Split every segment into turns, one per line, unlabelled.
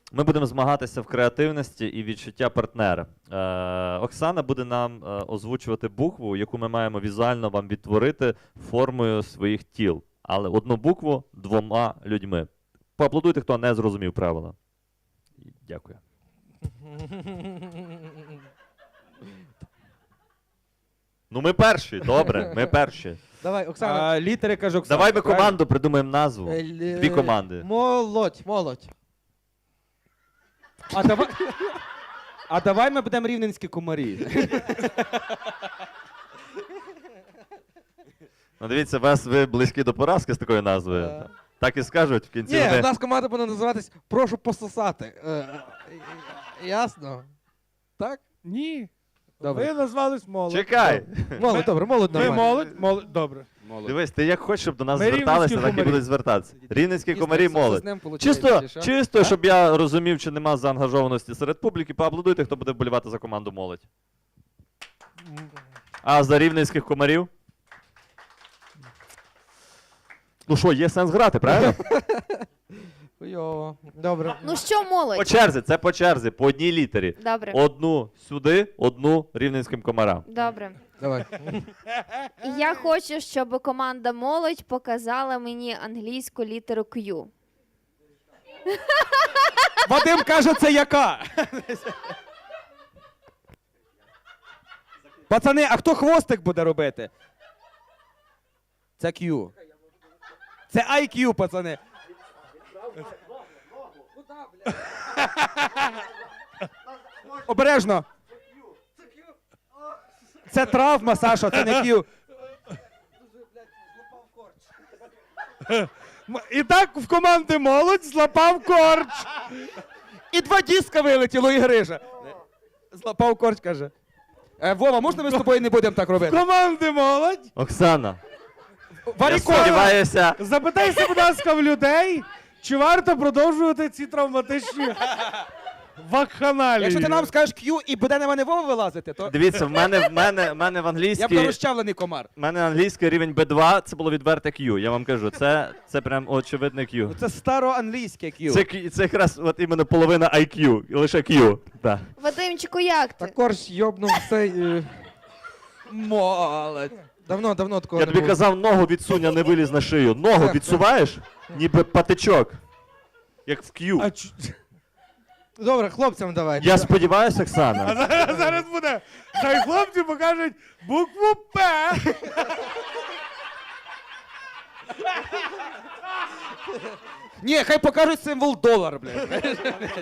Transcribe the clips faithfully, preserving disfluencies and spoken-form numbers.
Ми будемо змагатися в креативності і відчуття партнера. Е, Оксана буде нам е, озвучувати букву, яку ми маємо візуально вам відтворити формою своїх тіл. Але одну букву двома людьми. Поаплодуйте, хто не зрозумів правила. Дякую. Ну ми перші, добре, ми перші.
Давай, Оксана.
А, літери, каже Оксана.
Давай ми
правильно?
команду придумаємо назву.
Е, л-
Дві команди.
Молодь, молодь.
А давай, а давай ми будемо рівненські комарі.
Ну дивіться, вас ви близькі до поразки з такою назвою.
Е.
Так і скажуть в кінці.
Ні,
вони...
у нас команда буде називатись «Прошу пососати». Е, е, Ясно? Так?
Ні.
Добре.
Ви назвались молодь.
Чекай!
Молодь, добре, молодь
Ви
нормально.
молодь, молодь, добре.
Дивись, ти як хочеш, щоб до нас
Ми
зверталися,
рівненські
так і
комарі.
будуть звертатися. Рівненські
Дійсно,
комарі
це- це
молодь.
з ним получається,
Чисто,
чи що?
чисто, щоб я розумів, чи нема заангажованості серед публіки, поаплодуйте, хто буде вболівати за команду молодь. А за рівненських комарів? Ну що, є сенс грати, правильно?
Хуйово. Добре.
Ну що,
По
молодь?
черзі, це по черзі, по одній літері.
Добре.
Одну сюди, одну рівненським комарам.
Добре.
Давай.
Я хочу, щоб команда молодь показала мені англійську літеру Q.
Вадим каже, це яка? Пацани, а хто хвостик буде робити? Це Q. Це ай к'ю, пацани. Обережно. Це травма, Саша, це не Q.
М- І так в команди молодь злапав корч.
І два диска вилетіло, і грижа. Злапав корч, каже. Е, Вова, можна ми з тобою не будемо так робити?
Команди молодь.
Оксана, я
Варікова!
сподіваюся,
Запитайся, будь ласка, в людей, чи варто продовжувати ці травматичні вакханалії.
Якщо ти нам скажеш Q і буде на мене Вова вилазити, то
дивіться, в мене, в мене, в мене в
я
англійській...
буду розчавлений комар.
У мене англійський рівень бі два, це було відверте Q, я вам кажу. Це, це прям очевидне Q.
Ну, це староанглійське Q.
Це, Q- це якраз от іменно половина ай к'ю, і лише Q. Да.
Вадимчику, як ти?
Також йобнув цей... е,
Молодь.
Давно, давно такого
Я
не
тобі
було.
казав, ногу відсунь, а не виліз на шию. Ногу
Так,
відсуваєш, ніби патичок. Як в Q.
А чу-
Добре, хлопцям давай.
Я сподіваюся,
а
Оксана.
зараз, зараз буде. Хай хлопці покажуть букву П.
Ні, хай покажуть символ долар, блядь.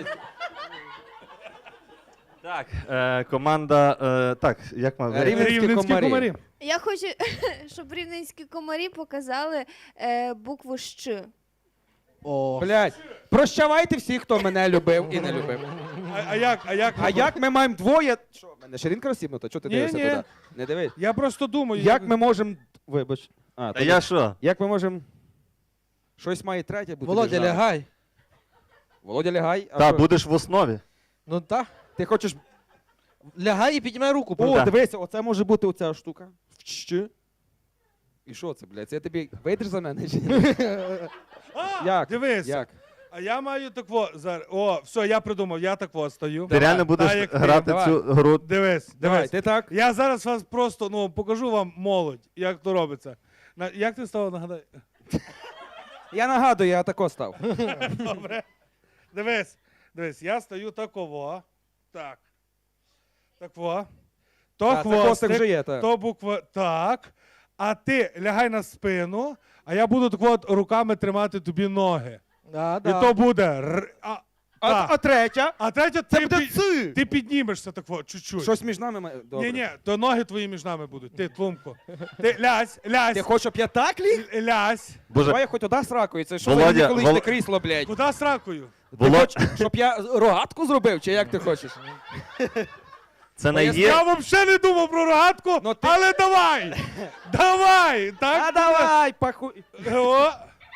Так, е, команда. Е, так, як ми.
Рівненські
Рівненські
комарі.
комарі.
Я хочу, щоб рівненські комарі показали е, букву Щ.
О.
Блядь. Прощавайте всіх, хто мене любив і не любив.
А, а як? А як?
А як ми маємо двоє. Що, в мене ширинка розсібнута? Чого ти
Ні,
дивишся
ні.
туди? Не дивись.
Я просто думаю.
Як ми можемо. Вибач. А,
А
то
я
ви-
що?
Як ми можемо. Щось має третє бути.
Володя,
держава.
лягай.
Володя, лягай. А
Та,
що?
будеш в основі.
Ну так.
Ти хочеш.
Лягай і піднімай руку.
О,
Да.
дивися, оце може бути оця штука. Вщ. І що це, блядь? Це я тобі вийдеш за мене? Чи ні?
А,
Як?
Дивись.
Як?
А я маю такво зараз. О, все, я придумав, я такво стою.
Ти реально
Так,
будеш
як ти.
грати
давай.
цю гру.
Дивись,
Давай,
дивись.
ти так?
Я зараз вас просто ну покажу вам молодь, як то робиться. На, як ти став нагадай?
Я нагадую, я тако став.
Добре. Дивись, дивись, я стою таково. Так. Такво. То
А, це хвостик
хвостик,
вже є, так.
то буква так. А ти лягай на спину, а я буду так от руками тримати тобі ноги.
Да,
І
да.
то буде. р- А,
А,
так.
а третя?
а третє,
Це
ти,
буде
пі-
ци.
ти піднімешся так от, чуть-чуть.
Щось між нами має. Добре.
Ні, ні, то ноги твої між нами будуть. Ти, тлумко. Ти лязь, лязь,
Ти хочеш, щоб я так ліг?
л- лязь.
Боже,
Давай я хоч туди сракою, це що
Володя,
за ніколишнє
Вол-
крісло, блядь?
Куди з ракою?
Ти
Володь,
хочеш, щоб я рогатку зробив, чи як ти хочеш?
це не
я
є.
Я взагалі не думав про рогатку,
Ну, ти-
але давай! Давай! Так?
А давай, пахуй.
О.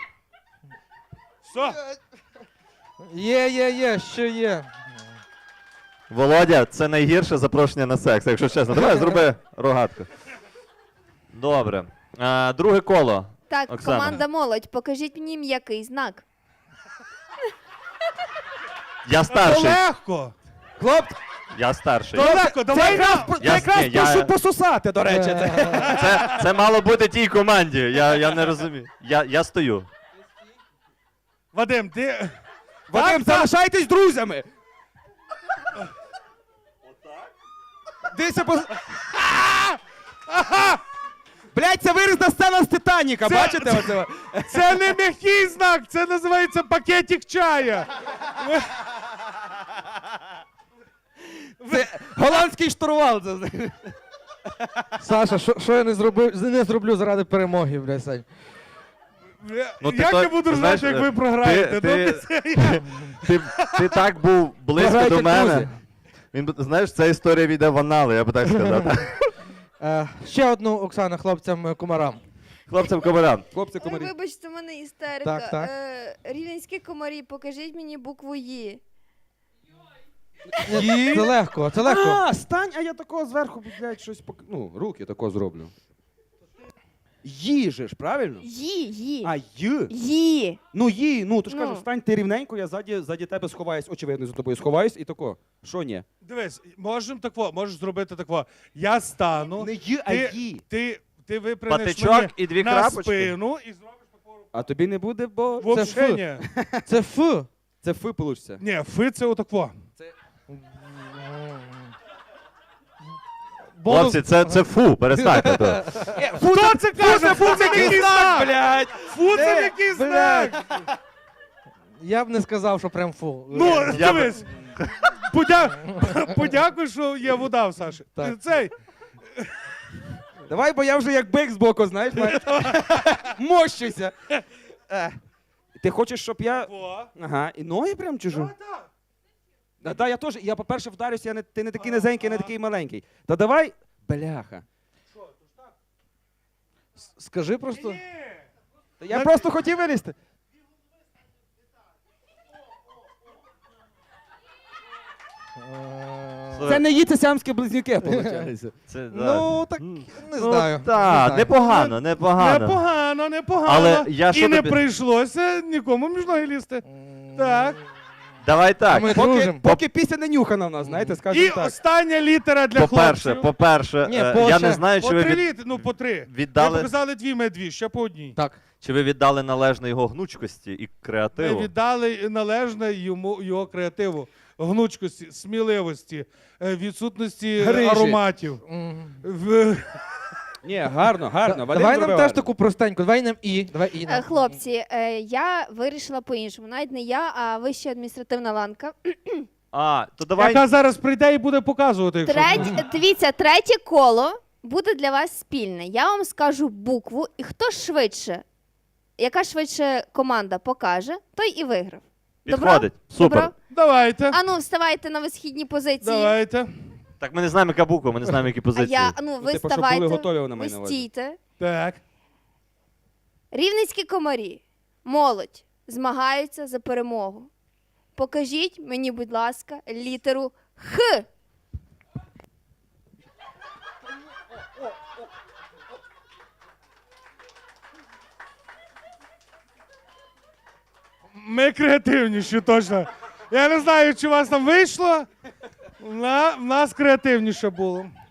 Все.
Є, є, є, що є.
Володя, це найгірше запрошення на секс, якщо чесно. Давай зроби рогатку. Добре. А, друге коло.
Так,
Оксана.
команда молодь, покажіть мені м'який знак.
Я
То
старший.
легко.
Хлопці,
Я старший.
То легко,
це
давай
якраз,
на...
це
Я-
якраз
ні, я-
прошу пососати, до речі. Це.
Це, це мало бути тій команді. Я, я не розумію. Я, я стою.
Вадим, ти...
Вадим, залишайтесь друзями. Дивіться, по... Блять, це вирізна сцена з Титаніка,
Це-
бачите? Оце?
Це не м'який знак, це називається пакетик чая.
Це голландський штурвал. Це.
Саша, що, що я не зробив, не зроблю заради перемоги, блядь, Сань.
Ну, ти
Як
то-
я буду
ти
знати,
знаєш,
як ви
ти-
програєте?
ти-
Ну, це я.
Ти, ти так був близько
Програйте,
до мене.
друзі.
Він, би- знаєш, ця історія війде в анали, я би так сказав.
Е, ще одну, Оксана, хлопцям е, кумарам.
Хлопцям комарам.
Хлопці,
Ой,
комарі.
вибачте, в мене істерика.
Так, так.
Е, рівненські комарі, покажіть мені букву «Ї».
Ні, Це легко, це легко.
А, стань, а я такого зверху, блядь, щось пок... Ну, руки такого зроблю. Їжеш, правильно?
«Ї», «Ї».
А, й.
«Ї».
Ну, ї, ну, то ж
Ну.
кажу, стань ти рівненько, я ззаді, ззаді тебе сховаюсь, очевидно, за тобою сховаюсь і тако. Що ні?
Дивись, можемо тако, можеш зробити тако. Я стану,
Не ї, а
ти,
ї.
ти, ти випрямиш
Патичок
мені
і дві
на
крапочки.
спину і зробиш таку
А тобі не буде, бо...
вообще
фу.
ні.
Це Ф.
Це фи получиться.
Ні, фи це отако.
Бонус.
Хлопці, це, це фу, перестаньте то.
Хто це каже? Фу, це який знак!
блядь!
Фу, це який знак!
Я б не сказав, що прям фу.
Ну,
Я б-
дивись. Подя... Подякуй, що є вода в Саші.
Так.
Цей.
Давай, бо я вже як бик збоку, знаєш, маю- мощуся. Е. Ти хочеш, щоб я...
О.
Ага, і ноги прям чужу? Да, да, я теж. Я, по-перше, вдарюся, я не, ти не такий низенький, не такий маленький. Та давай, бляха.
Скажи просто.
Та я просто хотів вилізти.
Е,
Це не її, це сямські близнюки, виходить.
Це, да.
Ну, так, не
Ну,
знаю. не
Так,
знаю.
непогано, непогано.
Непогано, непогано.
Але я
І
що
не
тобі-
прийшлося нікому між ноги лізти.
М,
Так.
Давай так.
Ми
Поки,
дружимо.
поки після не нюхана в нас, знаєте,
І
скажімо так.
остання літера для
По-перше,
хлопців.
по-перше,
Ні,
е,
по
я
ще-
не знаю,
По
чи ви,
три
від...
літери, ну по три.
Віддали-
Ми показали дві, ми дві, ще по одній.
Так.
чи ви віддали належне його гнучкості і
Ми
креативу.
віддали належне йому його креативу, гнучкості, сміливості, е, відсутності
Грижі.
ароматів.
М.
В...
Ні, гарно, гарно.
Да-
Вадим
Давай нам
зробив
теж
гарно.
таку простеньку. Давай нам і. Давай і.
Е,
нам.
Хлопці, е, я вирішила по-іншому. Навіть не я, а вища адміністративна ланка.
А, то давай.
Яка зараз прийде і буде показувати. Якщо...
Третє, дивіться, третє коло буде для вас спільне. Я вам скажу букву, і хто швидше, яка швидше команда покаже, той і виграв.
Підходить. Супер.
Добро?
Давайте.
Ану, вставайте на висхідні позиції.
Давайте.
Так ми не знаємо, яка буква, ми не знаємо, які
А
позиції.
я, ну,
Ну,
ви
типу, щоб
ставайте,
були готові, вона
ви
має на увазі.
стійте.
Так.
Рівненські комарі, молодь, змагаються за перемогу. Покажіть мені, будь ласка, літеру Х.
Ми креативніші, точно. Я не знаю, чи у вас там вийшло. На, в нас креативніше було.